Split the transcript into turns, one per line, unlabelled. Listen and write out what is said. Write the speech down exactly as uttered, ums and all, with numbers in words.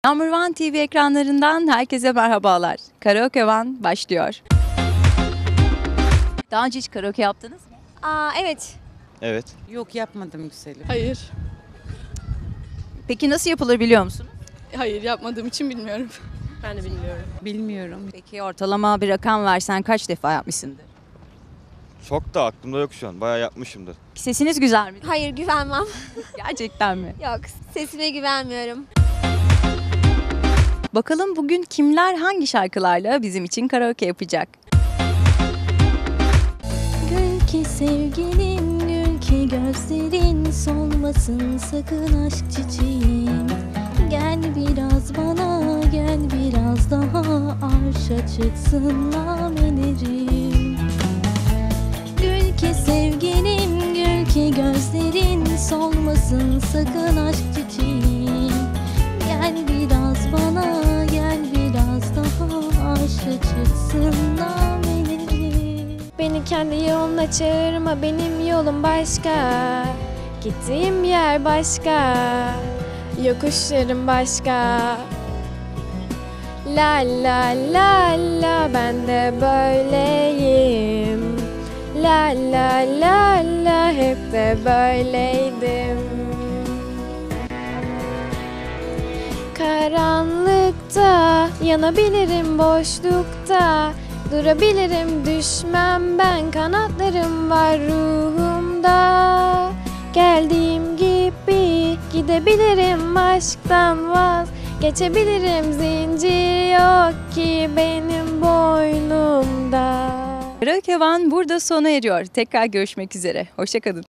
Number One T V ekranlarından herkese merhabalar. Karaoke One başlıyor. Daha önce hiç karaoke yaptınız mı?
Aa evet.
Evet.
Yok yapmadım güzelim.
Hayır.
Peki nasıl yapılır biliyor musunuz?
Hayır yapmadığım için bilmiyorum. Ben de bilmiyorum.
Bilmiyorum.
Peki ortalama bir rakam versen kaç defa yapmışsındır?
Çok da aklımda yok şu an. Bayağı yapmışımdır.
Sesiniz güzel mi?
Hayır güvenmem.
Gerçekten mi?
Yok sesime güvenmiyorum.
Bakalım bugün kimler hangi şarkılarla bizim için karaoke yapacak?
Gül ki sevgilin, gül ki gözlerin solmasın sakın aşk çiçeğim. Gel biraz bana, gel biraz daha arşa çıksın namelerim. Gül ki sevgilin, gül ki gözlerin solmasın sakın aşk çiçeğim. Gel biraz bana, gel biraz daha arşa çıksın namelerim.
Beni kendi yoluna çağırma, benim yolum başka. Gittiğim yer başka, yokuşlarım başka. La la la la, ben de böyleyim. La la la la, hep de böyleydim. Karanlıkta yanabilirim, boşlukta durabilirim, düşmem ben, kanatlarım var ruhumda. Geldiğim gibi gidebilirim, aşktan vazgeçebilirim, zincir yok ki benim boynumda.
Karaoke One burada sona eriyor. Tekrar görüşmek üzere. Hoşça kalın.